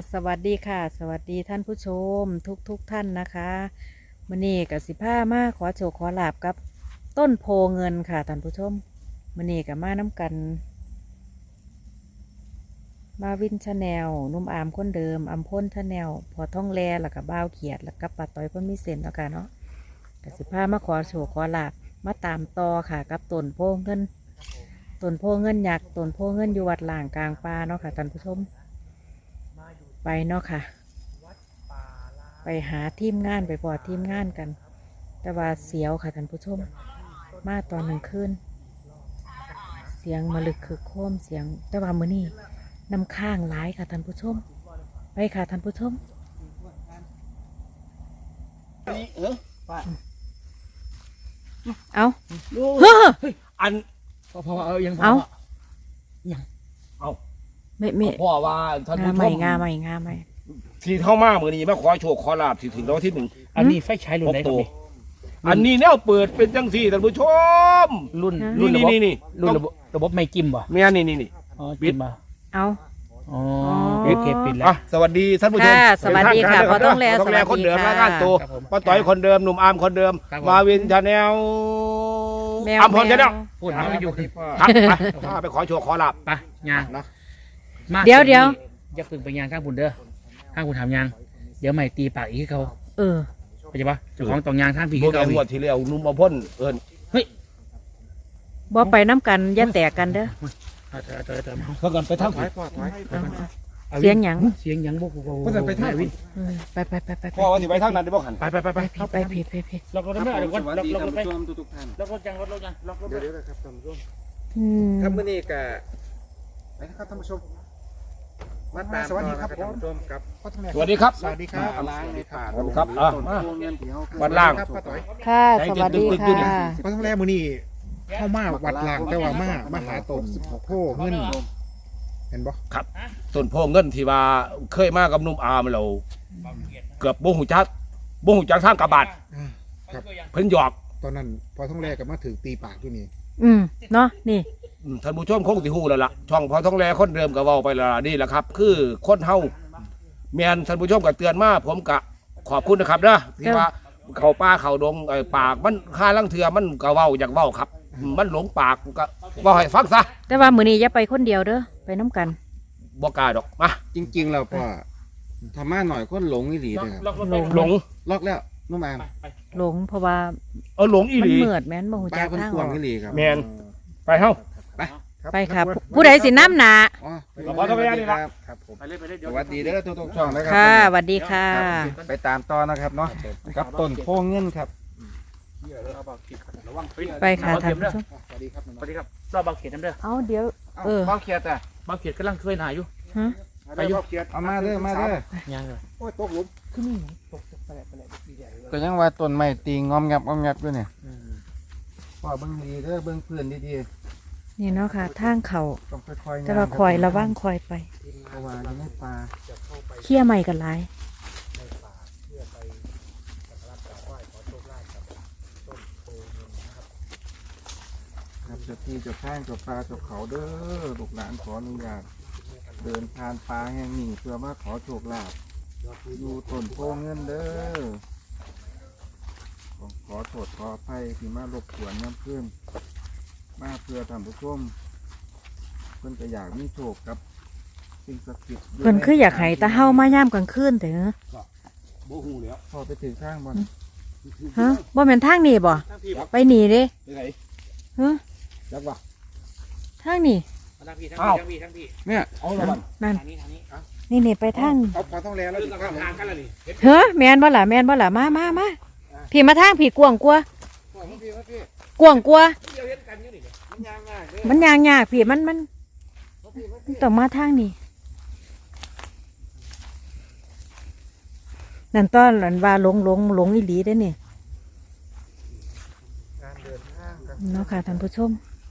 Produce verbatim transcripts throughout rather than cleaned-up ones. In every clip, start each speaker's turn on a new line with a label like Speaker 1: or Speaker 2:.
Speaker 1: สวัสดีค่ะสวัสดีท่านผู้ชมทุกทุกท่านนะคะมื้อนี้กับสิผ้ามาขอโชคขอลาบกับต้นโพเงินค่ะท่านผู้ชมมื้อนี้กับมาน้ำกันมาวินชาแนลนุ่มอามคนเดิมอัมพ่นชาแนลพอท่องแลแล้วกับบ้าวเขียดแล้วกับปลาต้อยพ่นมีเส้นแล้วกันเนาะกับสิผ้ามาขอโชคขอลาบมาตามต่อค่ะกับต้นโพเงินต้นโพเงินยักษ์ต้นโพเงินอยู่วัดหล่างกลางป่าเนาะค่ะท่านผู้ชมไปเนาะค่ะไปหาทีมงานไปพอทีมงานกันแต่ว่าเสียวค่ะท่านผู้ชมมาตอนหนึ่งคืนเสียงมาลึกคือโคมเสียงแต่ว่ามื้อนี้น้ำข้างหลายค่ะท่านผู้ชมไปค่ะท่านผู้ชมเอาเฮ้อ
Speaker 2: อันพอพอเอายังพอ
Speaker 1: เอา
Speaker 2: ยังเอา
Speaker 1: ไม่ไม่
Speaker 2: พ่อว่าท่าน
Speaker 1: งา
Speaker 2: ผู้ช
Speaker 1: ใหม่
Speaker 2: ม
Speaker 1: งาใหม่งาใหม่
Speaker 2: ที่เข้ามาเมื่อนี้มาขอโชคขอลาบที่ถึงรางวัลที่หนึ่ง
Speaker 3: อันนี้ไฟใช้รุ่นไหนครับ
Speaker 2: ตัว
Speaker 3: นี่
Speaker 2: อันนี้แนวเปิดเป็นจังสี่ท่านผู้ชม
Speaker 3: รุ่น
Speaker 2: นี่
Speaker 3: รุ่นระบบ
Speaker 2: นี่นี่
Speaker 3: รุ่นระบบระบบไม่กิมบ่
Speaker 2: เมียนี่นี่นี่
Speaker 3: อ๋อ
Speaker 2: ปิ
Speaker 3: กิ
Speaker 2: ด
Speaker 3: มบ่
Speaker 1: เอา
Speaker 3: อ๋อ
Speaker 1: อ๋อ
Speaker 3: โอเคปิดแล้ว
Speaker 2: อ่ะสวัสดีท่านผู้ชม
Speaker 1: ค่ะสวัสดีค่ะ
Speaker 2: เป็นทางการ
Speaker 1: พ่อต้องแล
Speaker 2: พ่ต้องแล
Speaker 1: สวัสดี
Speaker 2: คนเดิม
Speaker 1: ค่ะ
Speaker 2: รายงานตัว
Speaker 3: ครับผม
Speaker 2: ป้าต่อยคนเดิมหนุ่มอาร์มคนเดิม
Speaker 3: ครับผม
Speaker 2: มาวินชาแนล
Speaker 1: แมว
Speaker 2: อัมพรชาแนล
Speaker 3: พูดมาไม่อยู่
Speaker 2: ครับไปถ้าไปขอโชคขอลาบ
Speaker 3: ไปยาง
Speaker 2: นะ
Speaker 3: มา
Speaker 1: เดี๋ยวเดี๋ยว
Speaker 3: อย่าพึ่งไปยางข้างบุญเด้อข้างบุญถามยางเดี๋ยวใหม่ตีปากอีกให้เขา
Speaker 1: เออ
Speaker 3: เข้าใจปะเจ้าของตองยางทางผี
Speaker 2: เมื่
Speaker 3: ให้
Speaker 2: อ
Speaker 3: เขา
Speaker 2: ไง
Speaker 3: อี
Speaker 2: งวด
Speaker 3: ก
Speaker 2: ที่แล้วหนุ่มอัมพลเอิญ
Speaker 3: เฮ้ย
Speaker 1: บ่ไปน้ำกันอย่าแตกกันเด้อ
Speaker 3: เอาเถอะเอาเถอะเอาเถอะเอา
Speaker 2: เขากันไปทางผิด
Speaker 3: อา
Speaker 1: เสียงหยัง
Speaker 3: เสียงหยังบ่กู
Speaker 2: เพิ่นจะไปทางผิด
Speaker 1: เออไปไปไปไปไป
Speaker 2: พ่อว่าสิไปทางนั้นได้บ่ขัน
Speaker 3: ไปไปไปไป
Speaker 1: ผิดไปผิดไปผิด
Speaker 3: ล็อกรถไม่ได้เดี๋ยวก่อน
Speaker 4: สวัส
Speaker 3: ล็อก
Speaker 4: ดี
Speaker 3: ล็อก
Speaker 4: ท่าร น
Speaker 3: ถไป
Speaker 4: ผู้ชมทุกๆท่าน
Speaker 3: ล็อกรถยังล็อกรถยังล็อกรถ
Speaker 4: เดี๋ยวเดี๋ยวนะครับท่านผู้ชม
Speaker 1: อืม
Speaker 4: ครับมื้อนี้ก็ไปนะครับท่านผู้ชมมาตามสวัสดีครับท่านผู้ชมกับ
Speaker 2: สวัสดีครับ
Speaker 4: สวัสดีครับล้างในป่า
Speaker 2: ครับอ่ะ
Speaker 4: ต้นโพเงินที่เฮา
Speaker 2: วัดล่าง
Speaker 4: ครับป้าต้อย
Speaker 1: ค่ะสวัสดีค่ะ
Speaker 5: เพราะทั้งแรกมือนี่เข้ามาวัดล่างแต่ว่ามามาหาตนโพเงินเห็นบ่
Speaker 2: ต้นโพเงินที่ว่าเคยมากับหนุ่มอาร์มเราเกือบบ่หูจักบ่หูจักทางกระบาด
Speaker 5: อ่าครับ
Speaker 2: เพิ่นหยอก
Speaker 5: ตอนนั้นพอทั้งแรกก็มาถึงตีปากอยู่นี่
Speaker 1: อืมเนาะนี่
Speaker 2: อืมท่านผู้ชมคงสิฮู้แล้วล่ะช่องพอท้องแลคนเดิมก็เว้าไปแล้วล่ะนี่แหละครับ คือคนเฮาแม่นท่านผู้ชมก็เตือนมาผมก็ขอบคุณนะครับนะที่ว่าเข้าป่าเข้าดงไอ้ปากมันค่าลังเทือมันก็เว้าอยากเว้าครับอืมมันหลงปากก็เว้าให้ฟังซะ
Speaker 1: แต่ว่ามื้อนี้อย่าไปคนเดียวเด้อไปน้ำกัน
Speaker 2: บ่กล้าดอกมา
Speaker 4: จริงๆแล้วพ่อทำมาหน่อยคนหลงอีหลีเด้อครับ
Speaker 3: ล็อกรถไป
Speaker 2: หลง
Speaker 4: ล็อกแล้วน้องอาม
Speaker 1: หลงเพราะว่า
Speaker 2: เอาหลงอี
Speaker 1: มั
Speaker 2: ห
Speaker 1: น
Speaker 2: ลี
Speaker 1: เหมือดแม่นบ่ฮู้
Speaker 4: ป้า
Speaker 1: จัก
Speaker 4: คน
Speaker 1: ทาง
Speaker 4: ก
Speaker 1: อ
Speaker 4: วา
Speaker 1: อง ก
Speaker 4: อีหลีครับ
Speaker 2: แม่นไปเฮา
Speaker 1: ไปค่ะผู้ใดสิน้ำหนา
Speaker 4: อ๋อ
Speaker 2: ขอโทษครับ
Speaker 4: ครับผม
Speaker 3: ไปเลยไปเลย
Speaker 4: ส
Speaker 3: เดี๋ยว
Speaker 4: วัสดีเด้อทุกๆช่องนะครั
Speaker 1: ค่ะสวัสดีค่ะ
Speaker 4: ไปตามต่อนะครับเนาะกับต้นโพเงินครับ
Speaker 1: ไปค่ะท่านผู้ชม
Speaker 5: สวัสดีครับ
Speaker 3: สวัสดีครับรอบบางเขตน้ำเด้อ
Speaker 1: เอาเดี๋ยว เออ
Speaker 4: เบ้าเขียดอ่ะ
Speaker 3: บางเขตกำลังเคยหนาอยู่
Speaker 1: ฮะ
Speaker 3: ไปอยู่
Speaker 4: เอามาเด้อมาเด้อ
Speaker 3: ยังเลย
Speaker 5: โอ้ยตกหลุม
Speaker 4: ก็ยังว่าต้นไม้ตีงอมงับงอมงับด้วยเนี่ยพ่อเบิ่งดีเด้อเบิ่งเพื่อนดี
Speaker 1: นี่เนาะค่ะทางเขา
Speaker 4: ๆต้องค่อยๆ
Speaker 1: แต่ว่าคอยระวังคอยไป
Speaker 4: เพราะว่าอยู่ในป่า
Speaker 1: เคี่ยใหม่กันหลาย
Speaker 4: ครับเจ้าที่เจ้าข้างเจ้าปลาเจ้าเขาเด้อลูกหลานขออนุญาตเดินผ่านป่าแห่งนี้เพื่อมาขอโชคลาภอยู่ต้นโพเงินเด้อขอโทษขออภัยที่มารบกวนน้ำเพื่อนมาเพื่อทำผู้ชมเพิ่นก็อยากมีโชคกับสิ่งศักดิ์สิทธิ์
Speaker 1: เพิ่นคืออยากให้ตาเฮามาย่ามกลางคืนแต่เหรอ
Speaker 2: บ่ฮู้แล้ว
Speaker 4: พอไปถึงข้างบน
Speaker 1: ฮะบ่แม่นทางนี้บ่ไปหนีเด้
Speaker 2: ไปไหน
Speaker 1: ฮะ
Speaker 2: จักว่า
Speaker 1: ทางนี้
Speaker 3: ทั้งพี่ทั้ง
Speaker 2: อ้าว
Speaker 3: พี่ทั้งพี่
Speaker 4: เนี่ย
Speaker 2: เอาละบัด
Speaker 1: นั่น
Speaker 3: ทางนี้ทางนี้
Speaker 1: นี่นี่ไปทาง
Speaker 5: เอาพอต้องแลแล้วถึงข้าง
Speaker 2: ทางกันแล้วนี่
Speaker 1: เฮ้อแม่นบ่ล่ะแม่นบ่ล่ะมามามาพี่มาทางพี่กวางกลัวกวางกลัว
Speaker 2: เดี๋ยวเห็นกันอยู่นี่
Speaker 4: มันยางง่ายเด้อ
Speaker 1: มันยางยากพี่มันมันมันต้องมาทางนี้นั่นตอนนั้นว่าหลงหลงหลงอีหลีได้อนี่
Speaker 4: การเดินทางกัน
Speaker 1: เนาะค่ะท่านผู้ชม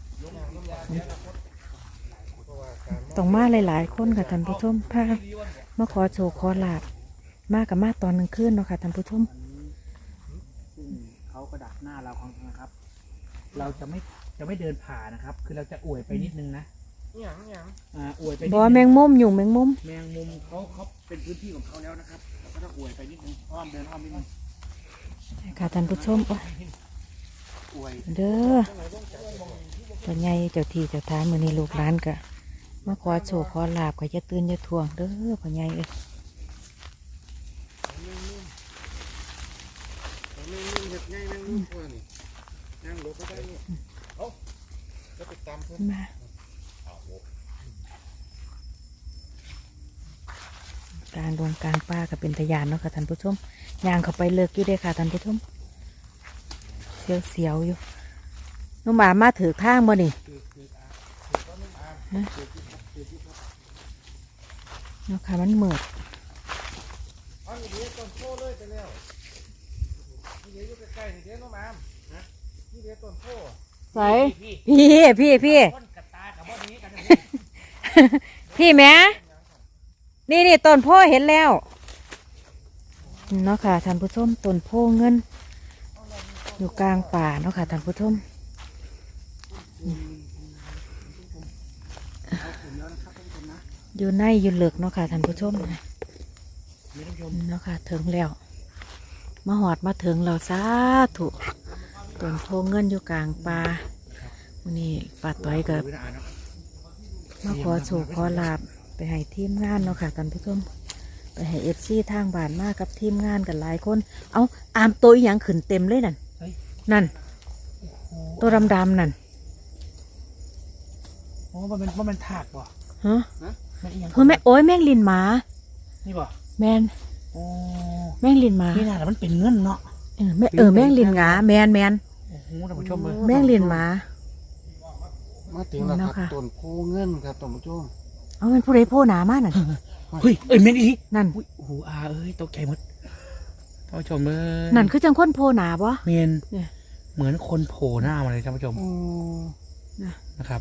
Speaker 1: ต้องมาหลายๆคนค่ะท่านผู้ชมพามาขอโชว์ขอลาบมากับมาตอนกลางคืนเนาะค่ะท่านผู้ชม
Speaker 3: ซึ่งเขาก็ดักหน้าเราของนะครับ เราจะไม่จะไม่เดินผ่านะครับ คือเราจะอวยไปนิดนึงนะ
Speaker 4: หยังหยัง
Speaker 3: อ่าอวยไป
Speaker 1: บ่แมงมุมอยู่แมงมุม
Speaker 3: แมงมุมเขาเขาเป็นพื้นที่ของเขาแล้วนะครับเราก็ต้องอวยไปนิดนึงอ้อมเดินอ้อมนิดนึง
Speaker 1: ค่ะท่านผู้ชมโอ้ย
Speaker 3: อวย
Speaker 1: เด้อตัวใหญ่เจ้าที่เจ้าทางมื้อนี้ลูกหลานก็มาขอโชคขอลาบก็อย่าตื่นอย่าทวงเด้อพ่อใหญ่เอ้ย
Speaker 5: แมงมุมเห็ดง่ายแมงมุมตัวนี่ย่างรถก็ได้นี่เอ้าจะไปตามเพิ่น
Speaker 1: มา กลางดงกลางป่าก็เป็นตะยานเนาะค่ะท่านผู้ชมย่างเข้าไปเลิกอยู่เด้อค่ะท่านผู้ชมเสียวเสียวๆอยู่น้องหมามาถือข้างบ่นี่ฮะเนาะค่ะมันเหมือด
Speaker 5: อ๋อนี่เดี๋ยวต้นโพเลยไปแล้วนี่เดี๋ยวอยู่ใกล้ๆนี่เดี๋ยวน้องอามนะนี่เดี๋ยวต้นโพ
Speaker 1: ใส่พี่พี่พี่
Speaker 3: ต้นกระตากับบ่อนี้กัน
Speaker 1: พี่แม่นี่นี่ต้นโพเห็นแล้วเนาะค่ะท่านผู้ชมต้นโพเงิน อยู่กลางป่าเนาะค่ะท่านผู้ชมอยู่ในอยู่เหลือกเนาะค่ะท่านผู้ชมเนาะค่ะถึงแล้วมาหอดมาถึงเราสาธุต้นโพเงินอยู่กลางป่าวันนี้ป้าต้อยกับมาขอโชคขอลาบไปให้ทีมงานเนาะค่ะท่านผู้ชมไปให้เอฟซีทางบ้านมากับทีมงานกันหลายคนเอาอามตัวอหย่างขึ้นเต็มเลยนั่นนั่นตัวดำๆนั่น
Speaker 3: โอ้มันเป็นมันเป็นถากบ่
Speaker 1: ฮะ
Speaker 3: มันอีหยัง
Speaker 1: เฮ้ยแม่โอ้ยแม่งลินหมา
Speaker 3: นี่บ่
Speaker 1: แมน
Speaker 3: โอ้
Speaker 1: แม่งลินหมา
Speaker 3: นี่น่าแต่มันเป็นเงินเนาะ
Speaker 1: เออแม่เออแม่งลินหงาแมนแมน
Speaker 3: โอ้โหท่านผู้ชมเลย
Speaker 1: แม่งลินหมา
Speaker 5: มาถึงแล้ว
Speaker 1: เนาะ
Speaker 5: ครั
Speaker 1: ค่ะ
Speaker 5: บต้นโพเงินครับท่านผู้ชม
Speaker 1: เอามันผู้ใดโผู้หนามานั่น
Speaker 3: เฮ้ยเอ้ยเม็ดอี
Speaker 1: นั่น
Speaker 3: อุ้ยโอ้โหอาเอ้ยตกใจหมดท่านผู้ชมเลย
Speaker 1: นั่นคือจังคนโผู้หนาปะ
Speaker 3: เมน
Speaker 1: เนี่ย
Speaker 3: เหมือนคนโผล่หน้ามาเลยท่านผู้ชม
Speaker 5: โอ้
Speaker 3: นะครับ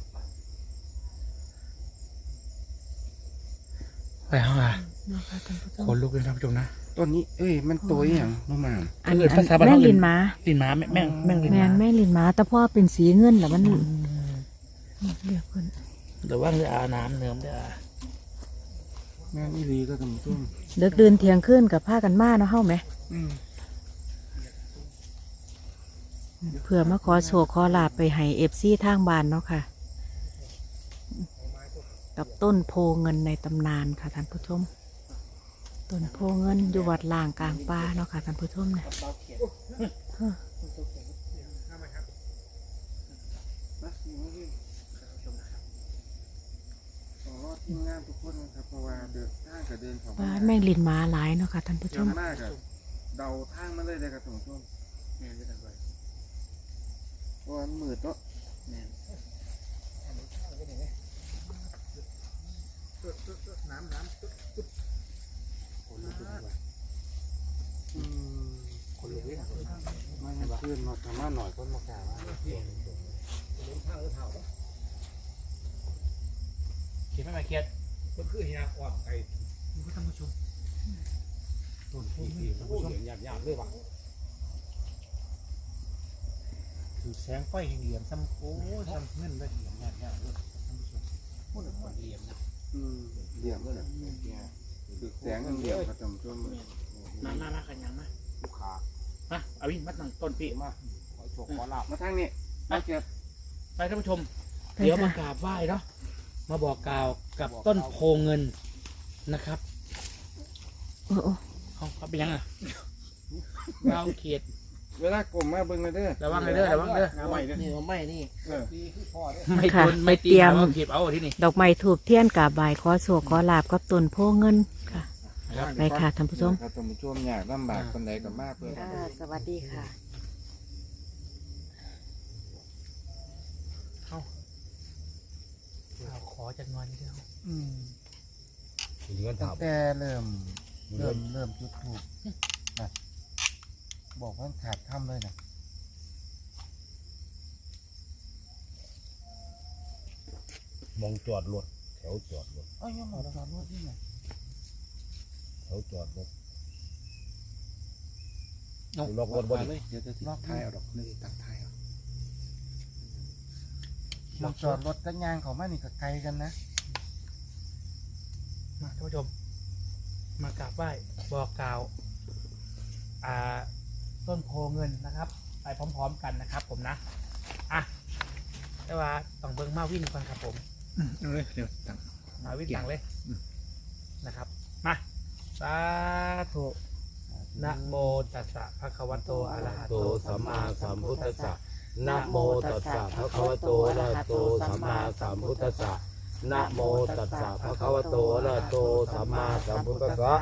Speaker 3: ไปห้องอ่ะ
Speaker 1: เนาะค่ะท่านผู้ช
Speaker 3: ข
Speaker 1: ม
Speaker 3: นลุกเลยท่านผู้ชมนะ
Speaker 5: ต้นนี้เอ้ยมันตัวอหย่างน้องอาม
Speaker 1: อัน
Speaker 3: เออ
Speaker 1: อัน
Speaker 3: ภาษาบ้าน
Speaker 1: แม่ง
Speaker 3: เขาเรียก
Speaker 1: ลินหมา
Speaker 3: ลินหม้าแม่แม่งแม่งลิน
Speaker 1: แม
Speaker 3: หม้าน
Speaker 1: แม่งลินหมาแต่พ่อเป็นสีเงินแล้วมันเรียกคน
Speaker 3: หรือว่าเรืออาน้ำเนิมเด้อ
Speaker 5: แม่นอีหลีก็ท่านผู้ชม
Speaker 1: เลิกเดินเที่ยงขึ้นกับผ้ากันมาเนาะเฮ้าไหม
Speaker 5: อืม
Speaker 1: เพื่อมาขอโชคขอลาบไปให้เอฟซีทางบ้านเนาะค่ะ กับต้นโพเงินในตำนานค่ะท่านผู้ชม ต้นโพเงินอยู่วัดล่างกลางป่าเนาะค่ะท่านผู้ชมเนี่ยฮะ
Speaker 5: ขอรอดทีมงานทุกคนนะครับเพราะว่าเดินทางกับเดินของ
Speaker 1: บ้านแม่งลินหมาหลายเนาะค่ะท่านผู้ช
Speaker 5: เจ้าม หน้ากับเดาทางมาเลยเลยครับท่านผู้ชมเพราะว่ามันมืดเนาะน้ำน้ำอืมคนลุกเลยมาเงินขึ้นมาทำมาหน่อยคนมากล่าวว่า
Speaker 3: เขียนไม่มาเขียนมันคือเฮียอ่อนไปท่านผู้ชม
Speaker 5: ต้นที่ที่ท่านผู้ชมหยาบหยาบเลยว่ะ
Speaker 3: คือแสงไฟเหลี่ยมซ้ำโอ้ซ้ำเงินได้เหลี่ยมยากๆเลยท่านผู้ชมพูดถึงคนเหลี่ยมนะ
Speaker 5: อืมเหลี่ยมเลยนะคือแสงเหลี่ยมครับท่านผู้ชม
Speaker 3: มามามาขันยังมา
Speaker 5: ลูกค้า
Speaker 3: มาเอาวินมัดหนังต้นปีมา
Speaker 5: ขอโชคขอลาบมาทางนี้มาเก็บ
Speaker 3: ไปท่านผู้ชม
Speaker 1: ไป
Speaker 3: เดี๋ยวมา
Speaker 1: ค่ะ
Speaker 3: กราบไหว้เนาะมาบอกกล่าวกับต้นโพเงินนะครับ
Speaker 1: โอ้โอ้
Speaker 3: เขาเขาเป็นยังอ่ะเราเขียด
Speaker 5: เวลากลมมาเบิ่งเลยเด้อ
Speaker 3: ระวังเลยเด้อระวังเด้อ
Speaker 5: เอาใหม่เด้อ
Speaker 4: นี่ไม่นี่
Speaker 5: เออ
Speaker 3: ไม่ตุนไม่ตีเอาเขียบเอาที่นี่
Speaker 1: ดอกไม้ถูกเทียนกราบไหว้ขอโชคขอลาบกับต้นโพเงินค่ะ ไปค่ะท่านผู้ชม
Speaker 5: ครับท่านผู้ชมอยากลำบากคนใดก็มากเพื่อ
Speaker 1: สวัสดีค่ะ
Speaker 3: เราขอจากงอนเดียว
Speaker 5: อืม
Speaker 2: เงิน
Speaker 5: ตั้
Speaker 2: ถาง ม
Speaker 5: แต่เริ่มเริ่มเริ่มจุดถูกนะบอกว่าขาดถ้ำเลยนะ
Speaker 2: มองจอดรถแถวจอดรถ
Speaker 5: เอ้ยยังหมดจอดรถที่ไหน
Speaker 2: แถวจอดรถ
Speaker 3: เอา
Speaker 2: ล็อกรถบ่
Speaker 5: เล
Speaker 2: ได้
Speaker 5: ยเดี๋ยวจะล็อกท้ายเอาดอกนึงตัดท้ายเอาหมองจอดรถกันยางเขามานี่ก็ไกลกันนะ
Speaker 3: มาท่านผู้ชม มากราบไหว้บอกกล่าวอ่าต้นโพเงินนะครับ ไปพร้อมๆกันนะครับ ผมนะอ่ะแต่ว่าต้องเบิ่งมาวินก่อนครับผม
Speaker 4: เอาเลยเดี๋ยวตั้ง
Speaker 3: มาวินต่างเลย
Speaker 4: อืม
Speaker 3: นะครับมาสาธุนะโมตัสสะภะคะวะโตอะระหะโตสัมมาสัมพุทธัสสะนะโมตัสสะภะคะวะโตอะระหะโตสัมมาสัมพุทธัสสะนะโมตัสสะภะคะวะโตอะระหะโตสัมมาสัมพุทธัสสะ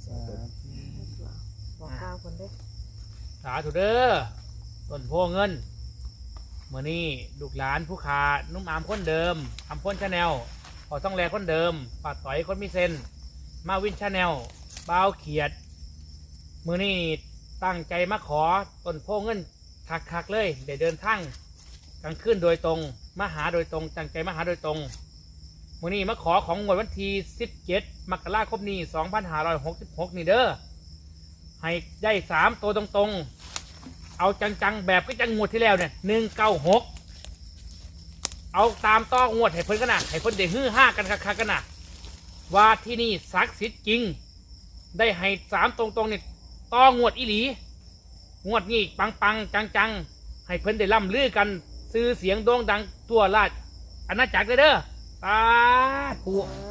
Speaker 1: บอกกล่าวคนเด้อ
Speaker 3: สาธุเด้อต้นโพเงินเมื่อนี้ลูกหลานผู้ขานุ่มอามคนเดิมอำพ้นชาแนลพอต้องแลคนเดิมปัดต่อยคนมีเซนมาวินชาแนลบ้าวเขียดมื่อนี้ตั้งใจมาขอต้นโพเงินคักๆเลยเดี๋ยวเดินทางกลางคืนโดยตรงมาหาโดยตรงตั้งใจมาหาโดยตรงมื่อนี้มาขอของงวดวันที่สิบเจ็ดมกราคมนี้สองพันห้าร้อยหกสิบหกนี่เด้อให้ได้สามตัวตรงๆเอาจังๆแบบก็จังงวดที่แล้วเนี่ยหนึ่งเก้าหกเอาตามต้องงวดให้เพิ่นกันนะให้เพิ่นได้ฮือห้ากันคักๆกันนะว่าที่นี่ศักดิ์สิทธิ์จริงได้ให้สามตรงๆเนี่ยต้องงวดอีหลีงวดนี้ปังๆจังๆให้เพิ่นได้ล่ำลือกันซื้อเสียงโด่งดังทั่วราชอาณาจักรเลยเด้อสาธุ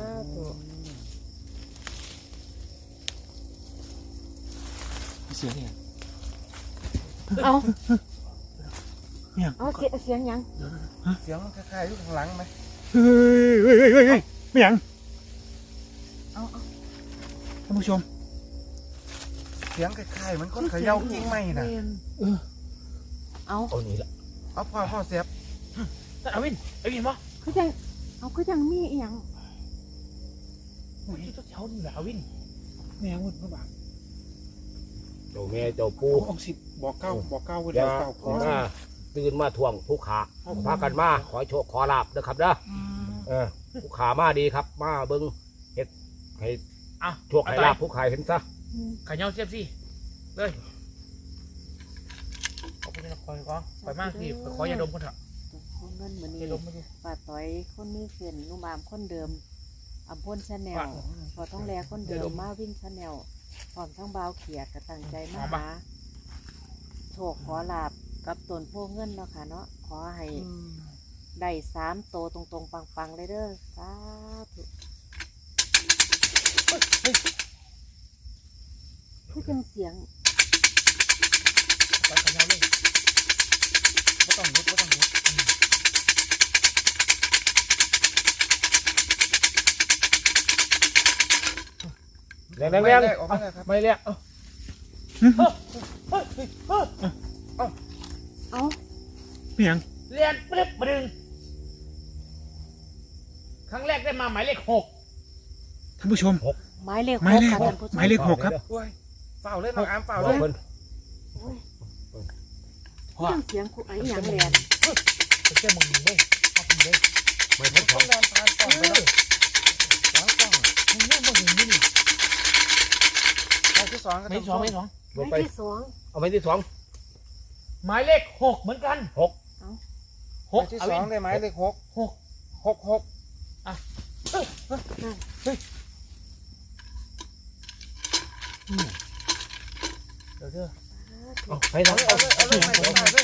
Speaker 4: เสียงเนี่ย
Speaker 1: เอา
Speaker 4: เนี่ย
Speaker 1: เอาเสียเสียงหยัง
Speaker 5: เสียงมันคล้ายๆอยู่ข้างหลังไหม
Speaker 4: เฮ้ยเฮ้ยเฮ้ยเฮ้ยเฮ้ยไม่หยัง
Speaker 1: เอาเอา
Speaker 4: ท่านผู้ชม
Speaker 5: เสียงคล้ายๆเหมือนคนเขย่ากิ้งไม้น่ะ
Speaker 4: เออ
Speaker 1: เอา
Speaker 3: เอานี่ละ
Speaker 5: เอาพ่อพ่อเสียบ
Speaker 3: เอาวินเอาวินบ่
Speaker 1: คือจังเอาคือจังมีอีหยัง
Speaker 3: อุ้ยเจ้านี่แหละเอาวิน
Speaker 4: ไม่หยังวุ่นพระบาท
Speaker 2: เจ้าแม่เจ้าปู่
Speaker 4: เอาสิบอกเก้าบอกเก้าไว้
Speaker 2: เดี๋
Speaker 4: แล้
Speaker 2: ยว ว
Speaker 4: เก้าพอ
Speaker 2: มาตื่นมาทวงผู้ขาพากันมาขอโชคขอลาบนะครับเด้อเออผู้ขามาดีครับ มาเบิ้งเฮ็ดให้
Speaker 3: อ่ะ
Speaker 2: โชคให้ลาบผู้ขายเห็นซะ
Speaker 3: ขายเงาเสียบสิเลยขอบคุณนะคอยก็คอยมากพี่ขอยาดมคนเถอะ
Speaker 1: ต้นโพเงินมื้อนี้
Speaker 3: ยาดมมาดู
Speaker 1: ป้าต้อยคนมีเส้นนุ่มอามคนเดิมอำพลชาแนลพอต้องแลคนเดิมมาวิ่งชาแนลพร้อมทั้งบ่าวเขียดก็ตั้งใจมาหาโชคขอลาบกับต้นโพเงินเนาะค่ะเนาะขอให้ได้สามโตวตรงๆปังๆเลยเด้อสาธุคือจังเสียง
Speaker 3: ไปขายเงาเลยไม่ต้องยุดไม่ต้องยุด
Speaker 2: แรงแรงแรง
Speaker 5: ออกมาเลยครับ
Speaker 2: ไม่เรียก
Speaker 3: เฮ้ยเฮ้ยเฮ้ย
Speaker 1: เอา
Speaker 4: ไม่หยัง
Speaker 3: เรียนปึ๊บมาดึงครั้งแรกได้มาหมายเลขหก
Speaker 4: ท่านผู้ชม
Speaker 1: หมายเลข
Speaker 4: หมายเลข
Speaker 1: ค่ะท่านผู้ช
Speaker 4: หมายเลขหกครับ
Speaker 5: โอ้ยเฝ้าเลยน้องอามเฝ้า
Speaker 2: บ
Speaker 5: เล
Speaker 2: อก
Speaker 5: ย
Speaker 2: เพิ่น
Speaker 1: โอ้ยคือจังเสียงคุไอ้หยังแหลน
Speaker 3: ไปเชื่อมึงเลยเอามึงเลย
Speaker 2: ไม่เพิ่นข
Speaker 5: ต้
Speaker 2: อ
Speaker 5: อง งเดินผ่านกล้องไปแล้วหลังกล้อง
Speaker 3: มึงเนี่ยมึงเห็นนี่
Speaker 5: หมายที่สองก็
Speaker 3: ไม่สองไม่สอง
Speaker 2: ล
Speaker 1: ห
Speaker 2: ง
Speaker 1: มาย
Speaker 2: ไป
Speaker 1: ที่สอง
Speaker 2: เอาไปที่สอง
Speaker 3: หมายเลขหกเหมือนกัน
Speaker 2: หก
Speaker 3: ห
Speaker 5: หมาก ยที่
Speaker 3: เอา
Speaker 5: ส
Speaker 3: วิ
Speaker 5: อง
Speaker 3: น
Speaker 5: ได้ไหมเลขหก
Speaker 3: หก
Speaker 5: หกหก
Speaker 3: เดี๋ยวเด้อ
Speaker 2: เอาไป
Speaker 5: เอา
Speaker 2: ทาง
Speaker 5: เลยเอาเลยเอาเลยไม่ได้เลย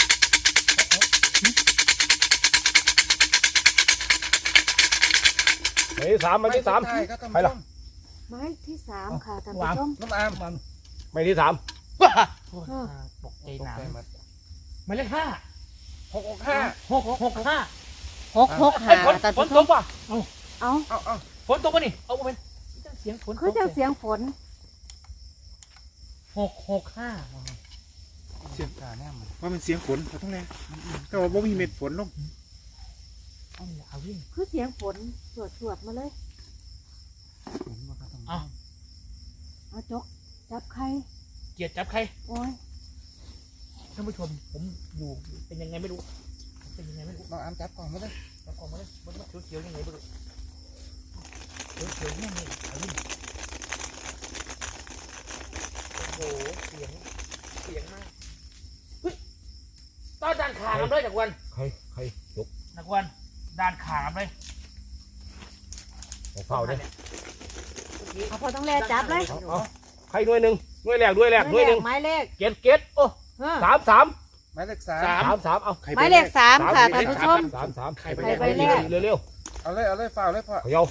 Speaker 2: ไปที่สามมาที่สาม
Speaker 5: ใช่ครับท่าน
Speaker 2: ไป
Speaker 5: ผู้ช
Speaker 2: ล่ะ
Speaker 5: ม
Speaker 1: หมายที่สามค่ะท่านผู้ชม
Speaker 5: น้องอาม
Speaker 2: ไม่ที่สาม
Speaker 3: ตกใจหนา
Speaker 5: ตกใจหมด
Speaker 3: หมายเลขห้า
Speaker 5: หกหกห้า
Speaker 3: หกหกห้า
Speaker 1: หกหก
Speaker 3: เฮ้
Speaker 1: หาย
Speaker 3: ฝน
Speaker 1: ท่าน
Speaker 3: ฝน
Speaker 1: ผู้ช
Speaker 3: ต
Speaker 1: ม
Speaker 3: กป่ะ
Speaker 1: เอา
Speaker 5: เอาเอา
Speaker 3: ฝนตกป่ะนี่เอาเป็นเสียงฝน
Speaker 1: คือจังเสียงฝน
Speaker 3: หกหกห้า
Speaker 5: เสียงกาแน่มัน
Speaker 4: ว่ามันเสียงฝนเราต้องแรงแต่ว่าบ่มีเม็ดฝนลง
Speaker 3: เอาเนี่ยเอาวิ่ง
Speaker 1: คือเสียงฝนสวดสวดๆมาเลย
Speaker 5: เห็นว่าครับท่านผู้ช
Speaker 3: เอา
Speaker 5: ม
Speaker 1: เอาจกจับใคร
Speaker 3: เกียรติจับใคร
Speaker 1: โอ้ย
Speaker 3: ท่านผู้ชมผมอยู่เป็นยังไงไม่รู้เป็นยังไงไม่รู้
Speaker 5: น้องอามจับกล่องมาเลย
Speaker 3: เอาออกมาเลยมันมันเขียวๆยังไงไม่รู้เขียวๆยังไงเอาวิ่งโอ้โหเสียงเสียงมากเฮ้ยต้อนดันขากันด้วยจากวัน
Speaker 2: ใครใครยก
Speaker 3: นักวันด้านขามเลย
Speaker 2: เฝ้าเด้อ
Speaker 1: เอาพอต้องแลจับเลย
Speaker 2: เอาใครหน่วยหนึ่งหน่วยแรกหน่วยแรกหน่วยหนึ่ง
Speaker 1: หมายเลข
Speaker 2: เก็ดเก็ดโอ้สามสาม
Speaker 5: หมายเลขสาม
Speaker 2: สามสามเอา
Speaker 1: หมายเลขสามค่ะท่านผู้ชม
Speaker 2: สามสาม
Speaker 3: ใครไป
Speaker 1: ใคร
Speaker 3: แรก
Speaker 1: ไปแรก
Speaker 2: เร็วเร็ว
Speaker 5: เอาเลยเอาเลยฝ่าเลยพ่อ
Speaker 2: เขย่า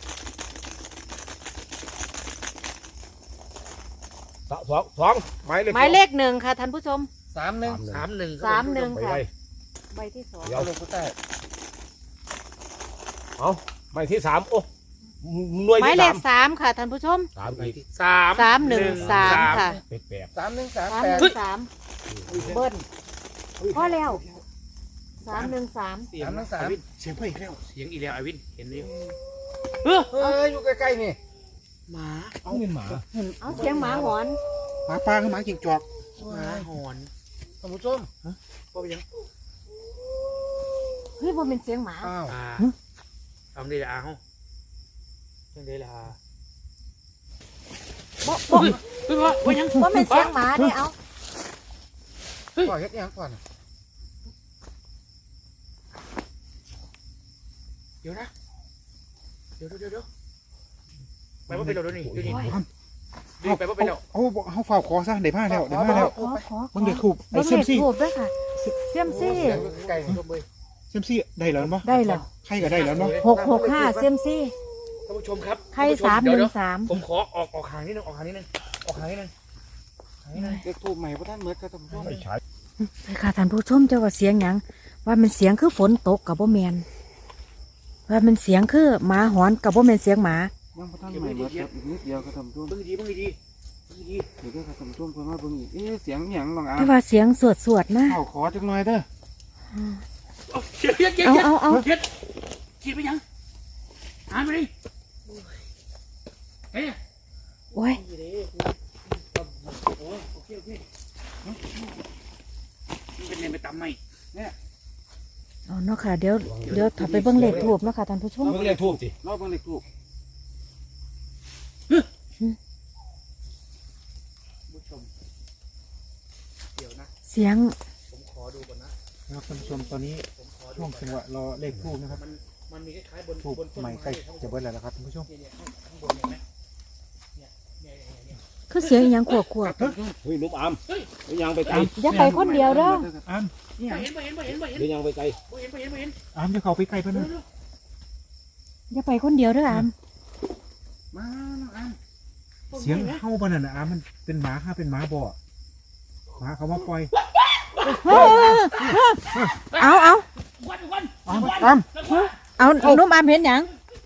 Speaker 2: สองสองสองหมายเลข
Speaker 1: หมายเลขหนึ่งค่ะท่านผู้ชม
Speaker 5: สามหนึ่ง
Speaker 3: สามหนึ่ง
Speaker 1: สามหนึ่ง
Speaker 2: ไป
Speaker 1: ค่ะ
Speaker 2: ไว้
Speaker 1: ใบที่สอง
Speaker 2: เดี๋ย
Speaker 5: เอา
Speaker 2: ว
Speaker 5: เลยผู้ใต้
Speaker 2: เอาหมายที่สามโอ้หน่วย
Speaker 1: หมาย
Speaker 2: ที่
Speaker 1: เล
Speaker 2: สา
Speaker 1: ข
Speaker 2: ม
Speaker 1: สามค่ะท่านผู้ชม
Speaker 2: สามอีก
Speaker 3: สาม
Speaker 1: สามหนึ่งสามค่ะ
Speaker 2: แปดแปด
Speaker 5: สามหนึ่งสาม
Speaker 1: สาม
Speaker 5: แป
Speaker 1: ห
Speaker 5: ด
Speaker 1: นึ่งสามเบิ้ลพอแล้วสามหนึ่งสาม
Speaker 3: เสียง
Speaker 5: สามหนึ่งสาม
Speaker 3: วินเสียงเพิ่มอีกแล้วเสียงอีกแล้วไอวินเห็นไหม
Speaker 5: เฮ้ยอยู่ใกล้ๆนี่
Speaker 3: หมา
Speaker 2: เอาเป็นหมา
Speaker 1: เอาเสียงหมาหอน
Speaker 5: หมาปลากับหมาจิงจอก
Speaker 3: หมาหอน
Speaker 5: ท่านผู้ชม
Speaker 3: ก็ไปยัง
Speaker 1: เฮ้ยมันเป็นเสียงหมา
Speaker 5: อ้าว
Speaker 3: อ่าเอาได้ละอาเฮาจังได้ละอา
Speaker 1: บ่บ่
Speaker 3: เฮ้ยพ่อพ่อยัง
Speaker 1: ว่าเป็นเสียงหมาเนี่ยเอา
Speaker 5: พ่อเฮ็ดยังก่อน
Speaker 3: เดี๋ยวนะเดี๋ยวเดี๋ยวเดี๋ยวไปว่าเป็นเราด้วยนี่ดูนี่ดูไปว่าเป็นเรา
Speaker 6: เอาเอาฝ่าขอซะได้ผ้าแล้วได้ผ้าแล้ว
Speaker 1: ขอขอ
Speaker 6: เบิ่งเด็กถูก
Speaker 1: เบิ้
Speaker 6: ไอ้
Speaker 1: ง
Speaker 6: เซ
Speaker 1: เล
Speaker 6: ม
Speaker 1: ข
Speaker 6: ซี่
Speaker 1: ถูกด้วยค่ะเซียมซี่
Speaker 5: เสียงอยู่ใกล้ๆนี่ก็เบย
Speaker 6: เซมซี่ได้แล้วบ่
Speaker 1: ได้แล้ว
Speaker 6: ใครก็ได้แล้วเนาะ
Speaker 1: หกหกห้าเซียมซี่
Speaker 3: ท่านผู้ชมครับ
Speaker 1: ไข่สามหนึ่งสาม
Speaker 3: ผมขอออกออกห่างนิดนึงออกห่างนิดนึงออกห่างนิดนึงห่างนิดนึง
Speaker 5: เด็กถูกใหม่พระท่านเหมือนกับท่านผู้ชม
Speaker 2: ไม่ใช่
Speaker 1: ค่ะท่านผู้ชมเจ้าว่าเสียงหยังว่ามันเสียงคือฝนตกกับบ่แมนว่ามันเสียงคือหมาหอนกับบ่แมนเสียงหมา
Speaker 5: ยังพระท่านใหม่เหมือนกับอีกนิดเดียวครับท่านผู้ชม
Speaker 3: เบิ่งดีเบิ่งดีเบิ่งดี
Speaker 5: เดี๋ยวก็ท่านผู้ชมเพิ่นมาเบิ่งอีกเอ๊ะเสียงหยังน้องอา
Speaker 1: แต่ว่าเสียงสวดสวดๆนะ
Speaker 5: เข้าขอจักหน่อยเด้อ
Speaker 3: เอาเขียดเขียดเขียด
Speaker 1: เอาเอาเอา
Speaker 3: เขียดเขียดไปยังอ่านไปดิเฮ้ย
Speaker 1: โอ้ย
Speaker 3: โอเคโอเคมันเป็นเรียนไปตามไหม
Speaker 1: เอาเนาะค่ะเดี๋ยวเดี๋ยวถ้าไปเบิ่งเลขทูบเนาะค่ะท่านผู้ชม
Speaker 2: เพิ่งเรียกทูบสิ
Speaker 5: รอบเบิ่งเด็กถูก
Speaker 3: ผู้ชมเดี๋ยวนะ
Speaker 1: เสียง
Speaker 3: ผมขอดูก่อนนะ
Speaker 6: นะครับท่านผู้ชมตอนนี้
Speaker 3: ผมขอดู
Speaker 6: ช่วงจังหวะรอเลขทูบนะครับ
Speaker 3: มันมันมีคล้ายๆบน
Speaker 6: ทูบบ
Speaker 3: นต้น
Speaker 6: ใหม่
Speaker 3: ไม้
Speaker 6: ใกล้
Speaker 3: ข้างบ
Speaker 6: จะ
Speaker 3: น
Speaker 6: เบิดแล้วนะครับท่านผู้ชม
Speaker 3: เนี่ยเนี่ยข้างบนเห็นไหมเนี่ยเนี่ยเนี่ยเนี่ย
Speaker 1: คือเสียงอหยังขวบขวบ
Speaker 2: เฮ้ยนุ่มอามเฮ้ยยังไปไกล
Speaker 1: อย่าไปคนเดียวเด้อ
Speaker 6: อาม
Speaker 3: บ่เห็นบ่เห็นบ่เห็นบ่เห็น
Speaker 2: เดี๋ยวยังไปไกล
Speaker 3: บ่เห็นบ่เห็นบ่เห็น
Speaker 6: อามจะเข้าไปใกล้เพิ่นนะ
Speaker 1: อย่าไปคนเดียวเด้ออาม
Speaker 5: มาน้องอา
Speaker 6: เสียงเฮาบ่นั่นน่ะอามมันเป็นหมาค่ะเป็นหมาบ่หมาเขามาปล่อย
Speaker 1: เอาเอา
Speaker 3: วันวัน
Speaker 6: อามอาม
Speaker 1: เอานุ่มอามเห็นหยัง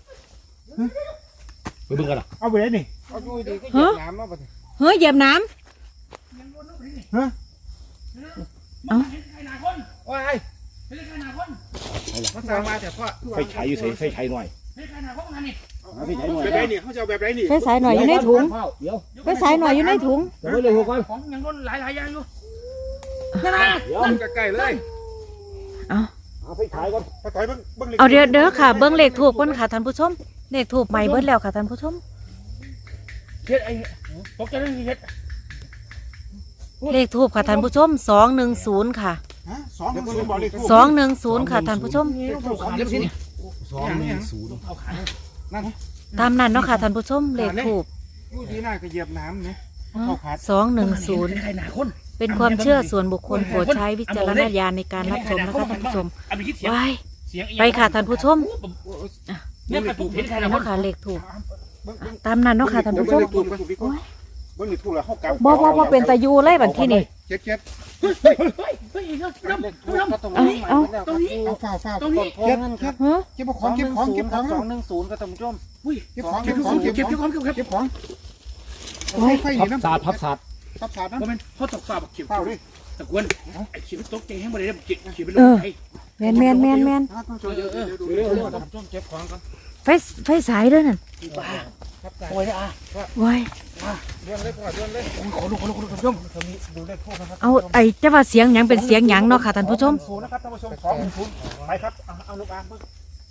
Speaker 2: ไปเบิ่งกันอ่ะ
Speaker 6: เอาไปได้นี่
Speaker 5: เอาอยู่ดีก็เหยียบน้ำเนาะบัดนี้
Speaker 1: เฮ้ยเหยียบน้
Speaker 6: ฮะ
Speaker 3: มันเห็นใครหนาคน
Speaker 5: โอ้ย
Speaker 3: เห็นใครหนาคน
Speaker 5: มันสร้างมาแต่พ่อ
Speaker 2: ไฟฉายอยู่ใส่ไฟฉายหน่อย
Speaker 3: เห็นใครหนาคนงานนี่
Speaker 2: หาไฟฉายหน่อย
Speaker 6: แบบไหนนี่เขาจะเอาแบบไหนนี่
Speaker 1: ำไฟสายหน่อยอยู่ในถุง
Speaker 2: เดี๋ยว
Speaker 1: ไฟสายหน่อยอยู่ในถุง
Speaker 2: เดี๋ยวไม่เลยหัวก่อน
Speaker 3: ของยังโดนหลายหลายอย่างอยู่
Speaker 2: เดี๋ยว
Speaker 5: ใกล้ๆเลย
Speaker 1: เอา
Speaker 2: หาไฟฉายก่อน
Speaker 6: ปะต่อยเบิ่งเบิ่งลข
Speaker 1: เอาเดี๋ยวเด้อค่ะเบิ้งเลขถูกก่อนค่ะท่านผู้ชมเลขถูกใหม่เบิ้แล้วค่ะท่านผู้ชม
Speaker 3: เฮ็ดไอ้ตกใจเลยเฮ็ด
Speaker 1: เลขถูกค่ะท่านผู้ชมสองหนึ่งศูนย์ค่ะ
Speaker 6: ฮะสองหนึ่งศูนย์บอกเลขทูบ
Speaker 1: สองหนึ่งศูนย์ค่ะท่านผู้ชม
Speaker 2: สองหนึ่งศูนย์สองหนึ่งศูนย์
Speaker 3: เอาขา
Speaker 1: ตามนั้นเนาะค่ะท่านผู้ชมเลขถูก
Speaker 6: อยู่ดีหน้าก็เหยียบน้ำเนี่ยเข้าขาด
Speaker 1: สองหนึ่งศูนย์
Speaker 3: ใครหนาคน
Speaker 1: เป็นความเชื่อส่วนบุคคลโปรดใช้วิจารณญาณในการรับชมนะคะท่านผู้ชม
Speaker 3: เอาไปคิดเสียง
Speaker 1: ไว้
Speaker 3: เสียง
Speaker 1: ไปค่ะท่านผู้ชม
Speaker 3: เนี่ยกระตุกเห็นใครหนา
Speaker 1: นี่
Speaker 3: ค
Speaker 1: เนาะ
Speaker 3: น
Speaker 1: ค่ะเลขถูก
Speaker 6: เบิ่งเบิ่ง
Speaker 1: ตามนั้นเนาะค่ะท่านผู้ชม
Speaker 6: เบิ่งเลขทูบกันโอ้ยเบิ่งเลขทูบแล้วเฮากลับ
Speaker 1: บ่บ่บ่เป็นตายูเลยบัดที่นี่
Speaker 6: เจ็ดเจ็ด
Speaker 3: เฮ้ยเฮ้ยเฮ้ยเฮ้ยเฮ้ยน้ำ
Speaker 5: เด็กถู
Speaker 3: น้ำ
Speaker 5: ก
Speaker 3: น้ำ
Speaker 5: ก็ตรงนี้
Speaker 1: เอา
Speaker 3: ตรงนี้
Speaker 6: เอาฝ้าวฝ้าว
Speaker 3: ตรงนี้
Speaker 5: โพเงินครับ
Speaker 1: ฮะ
Speaker 6: เก็บของเก็บของเก็บของ
Speaker 5: สองหนึ่งศูนย์ก็ท่านผู้ชม
Speaker 3: อุ้ย
Speaker 6: เก็บของ
Speaker 3: เก็
Speaker 6: เก็
Speaker 3: บบ ข
Speaker 6: ข
Speaker 3: อ
Speaker 6: อง ง
Speaker 3: เก็
Speaker 6: เก็
Speaker 3: บบ เก็บ
Speaker 6: ของ
Speaker 3: เก็บเก็บของ
Speaker 6: เก็บของไฟไฟ
Speaker 2: พั
Speaker 6: นี่
Speaker 2: บ
Speaker 6: น้ำ
Speaker 2: ศาสตร์พับศาสตร์
Speaker 6: ทับศาสตร์
Speaker 3: เพราะ
Speaker 6: น้ำ
Speaker 3: มันเขาตกปลาแบบเขียว
Speaker 6: เฝ้าดิ
Speaker 3: ตะกวนไอ้เขียวตกใจให้มาเลยเขียวเขียวเป็นล
Speaker 1: เอ
Speaker 3: ม
Speaker 1: อ
Speaker 3: ไอ้
Speaker 1: แมนแมนแมนแมน
Speaker 6: ท่านผู้ชมเดี๋ยวเดี๋ยวดู
Speaker 2: เร็ว
Speaker 6: เดี๋ยว
Speaker 5: ท่านผู้ชมเก็บของกัน
Speaker 1: ไฟไฟสายด้วยนั่น
Speaker 3: บ้า
Speaker 5: ครับ
Speaker 3: โอ้ยอ่ะ
Speaker 1: ไว้
Speaker 5: เรื่องเลยพ่อเรื่องเลย
Speaker 3: ขอดูขอดูขอดูท่านผู้ชม
Speaker 6: ตอนนี้ดูเลขทูบนะครับ
Speaker 1: เอาไอ้จะว่าเสียงหยังเป็นเสียงหยังเนาะค่ะท่านผู้ชม
Speaker 6: ศูนย์นะครับท่านผู้ชมสองหนึ่งศูนย์ไปครับเอาเอาลูกอามเบิ่ง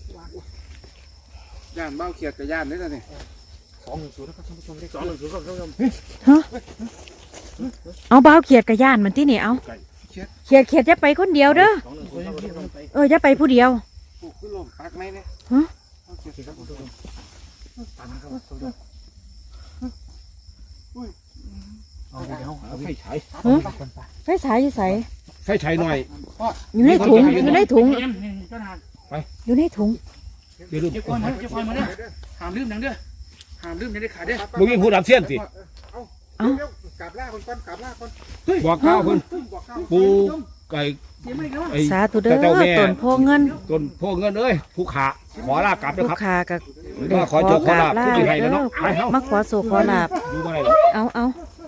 Speaker 5: ย่านเบ้าเขียดกับย่านนี่แล้วนี่
Speaker 6: สองหนึ่งศูนย์นะครับท่านผู้ชมเลข
Speaker 3: สองหนึ่งศูนย์ท่านผู้ชม
Speaker 1: ฮะเอาบ้าวเขียดกับย่านมันที่นี่เอาเขียดเขียดจะไปคนเดียวเด้อ
Speaker 3: สองหนึ่งศูนย์ท่านผู้ชม
Speaker 1: เออจะไปผู้เดียว
Speaker 3: ส
Speaker 5: ไหมเนี่ย
Speaker 1: ฮะ
Speaker 5: เอาเขียดครับผมตามนะครับผม
Speaker 6: เอาเดี๋ยวเอา
Speaker 2: ไฟฉาย
Speaker 1: ฮะไฟฉายอยู่ใส
Speaker 2: ไฟฉายหน่อย
Speaker 1: อยู่ในถุงอยู่ในถุง
Speaker 3: เจ้าทาน
Speaker 1: อยู่ในถุง
Speaker 2: เดี๋ยวลืม
Speaker 3: เจ้าคอยมาเจ้าคอยมาเด้อหามลืมนังเด้อหามลืมนังได้ขาดเด้อ
Speaker 2: มึงยิงหูดับเสี้ยนสิ
Speaker 5: เอาเดี๋ยวกลับล่าคนก่อนกลับล่าคน
Speaker 2: บอกก้าวเพิ่น
Speaker 5: บอกเข้า
Speaker 2: ปูไก่
Speaker 3: เสียไม่แล้ว
Speaker 2: ไอ้
Speaker 1: สาธุเด้อ
Speaker 2: เจ้าแม่
Speaker 1: ต้นโพเงิน
Speaker 2: ต้นพวกเงินเอ้ยผู้ขาขอลาบกลับนะ
Speaker 1: ลูก
Speaker 2: ครับ
Speaker 1: ค้ากับ
Speaker 2: มาขอโชคขอลาภ
Speaker 1: ลา
Speaker 2: ผู้ใหญ่แล้วเนาะไปเฮา
Speaker 1: มาขอสู่ขอลาบ
Speaker 2: ดูมาเลย
Speaker 1: เอาเอา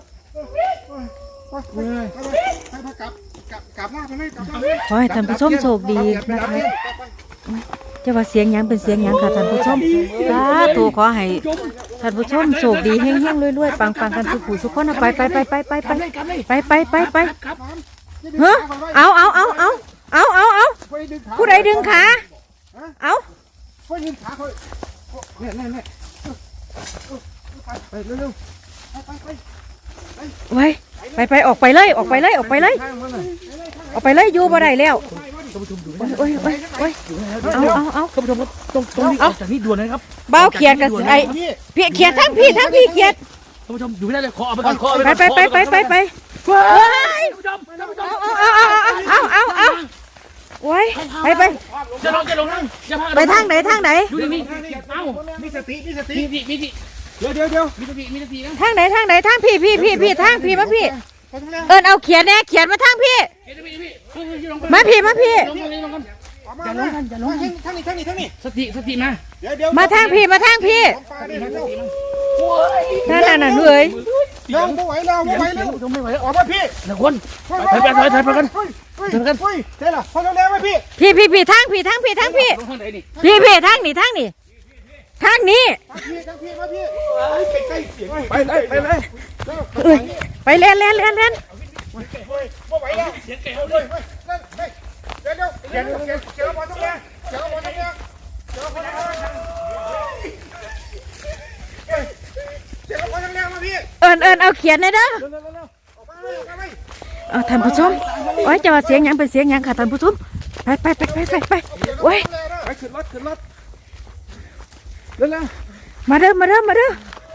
Speaker 5: ไปไปไปกลับกลับกลับล่าไปเลยกลับล่า
Speaker 1: ขอให้ท่านผู้ชมโชคดีนะคะจะว่าเสียงหยังเป็นเสียงหยังค่ะท่านผู้ชมสาธุขอให้ท่านผู้ชมโชคดีเฮงๆรวยๆปังๆกันสุขุสุขคนเอาไปไปไปไปไปไปไปไปไปไปเฮ้อเอาเอาเอาเอาเอาเอาเอาผู้ใดดึงขาเอา
Speaker 5: ไปยืนขาเขาเนี่ยเนี่ยเนี่ยไปเร็วๆไปไป
Speaker 1: ไว้ไปไปออกไปเลยออกไปเลยออกไปเลยออกไปเลยอยู่บ่ได้แล้วโอ้ยโอ้ยโอ้ยเอาเอาเอา
Speaker 3: ท่านผู้ชมครับต้องต้องรีบออกจากนี่ด่วนเลยครับ
Speaker 1: เบาเขียดกับไอ้พี่เขียดทั้งพี่ทั้งพี่เขียด
Speaker 3: ท่านผู้ชมอยู่ไม่ได้เลยขอเอาไปก่อนขอเอา
Speaker 1: ไป
Speaker 3: ไปก่อน
Speaker 1: ไปไปไปไปไป
Speaker 3: ท่านผู้ชมท่านผู้ชม
Speaker 1: เอาเอาเอาเอาเอาเอาโอ้ยไปไป
Speaker 3: จะลงจะลงนั่งจะพา
Speaker 1: ไปทางไหนทางไหน
Speaker 3: อยู่นี่เอ้า
Speaker 5: มีสติมีสติ
Speaker 3: มีสิมีสิ
Speaker 5: เดี๋ยวเดี๋ยวเดี๋ยว
Speaker 3: มีสติมีสตินะ
Speaker 1: ทางไหนทางไหนทางพี่พี่พี่พี่ทางพี่มาพี่
Speaker 5: ไปทางแล้ว
Speaker 1: เอิญเอาเขียดแน่เขียดมาทางพี่
Speaker 3: เฮ้ยพี่พี่เฮ้ยลงไป
Speaker 1: มาพี่มาพี่
Speaker 3: ลงกันลงกัน
Speaker 5: อย่าลงกันอย่าลงกันทางนี้ทางนี้ทางนี้
Speaker 3: สติสติมา
Speaker 5: เดี๋ยวเดี๋ยว
Speaker 1: มาทางพี่มาทางพี่
Speaker 5: ปลาเนี่ยเร็ว
Speaker 1: นั่นน่ะน่ะเลย
Speaker 5: เร็วไม่ไหวแล้วไม่ไหวแล้ว
Speaker 3: ลงไม่ไหวแล้ว
Speaker 5: ออกมาพี่
Speaker 3: นะคนถอยไปถอยถอยไปกัน
Speaker 5: เฮ้ยเฮ้ยเฮ้ยเจ๊ล่ะพอแล้วไหมพี่
Speaker 1: พี่พี่พี่ทางพี่ทางพี่ทางพี่
Speaker 3: ลงทางไหนนี่
Speaker 1: พี่พี่ทางนี้ทางนี้ทางนี้
Speaker 5: พี่ทางพี่มาพี่ใกล้ๆเสียง
Speaker 2: ไปเลยไปเลย
Speaker 1: เอ้ยไปเล่นเล่นเล่นเล่น
Speaker 5: ไม่ไหวแล้วเสียงแก่เลยนั่นเฮ้ยเดี๋ยวเดี๋ยวเดี๋ยวเดี๋ยวเดี๋ยวพอตรงนี้เดี๋ยวพอตรงนี้เดี๋ยวพอตรงนี้เฮ้ยเดี๋ยวพอตรงนี้มาพี่
Speaker 1: เอิญเอิญเอาเขียดหน่อยเด้อ
Speaker 5: เร็วเร็วเร็วออกมาเลยออกมาเลย
Speaker 1: เอาท่านผู้ชมโอ้ยจะว่าเสียงหยังเป็นเสียงหยังค่ะท่านผู้ชมไปไปไปไปไปไปโอ้ย
Speaker 5: ไปขึ้นรถขึ้นรถเร็วเร็ว
Speaker 1: มาเด้อมาเด้อมาเด้อ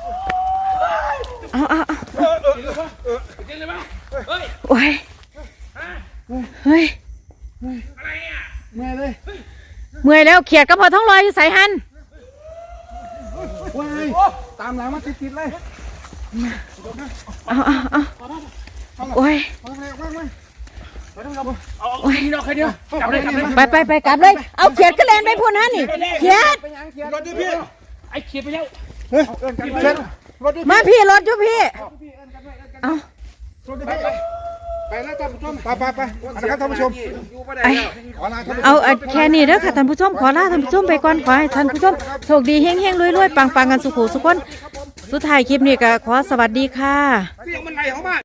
Speaker 1: เอาเอาเอา
Speaker 3: จริงเลยป่ะเฮ้ย
Speaker 1: โอ้ยเฮ้ย
Speaker 5: แม่เลย
Speaker 1: เมื่อยแล้วเขียดก็พอท้องลอยอยู่ใส่หัน
Speaker 5: ว้ายตามหลังมาติดๆเลย
Speaker 1: เอาเอาเอาโอ้ย
Speaker 5: เอาเลยว่างไหม
Speaker 3: เอาใครเดียวใครเดียวจับเลยจับเลย
Speaker 1: ไปไปไปกลับเลยเอาเขียดก็แลนไปพูนฮะนี่เขียด
Speaker 5: รถดิพี่
Speaker 3: ไอ้เขียดไปแล้ว
Speaker 5: เฮ้ยเชิญรถดิ
Speaker 1: มาพี่รถอยู่พี่เอา
Speaker 5: รถดิพี่ไปแล้วท่านผู้ชมไปไปไปนะครับท่านผู้ชม
Speaker 1: ไอ
Speaker 5: ขอลาท่านผู้ชม
Speaker 1: เอาเอาแค่นี้เด้อค่ะท่านผู้ชมขอลาท่านผู้ชมไปก่อนขอให้ท่านผู้ชมโชคดีเฮงเฮงรวยรวยปังปังกันสุขุสุขคนสุดท้ายคลิปนี้ก็ขอสวัสดีค่ะ
Speaker 5: เสียงมันไหลเข้ามา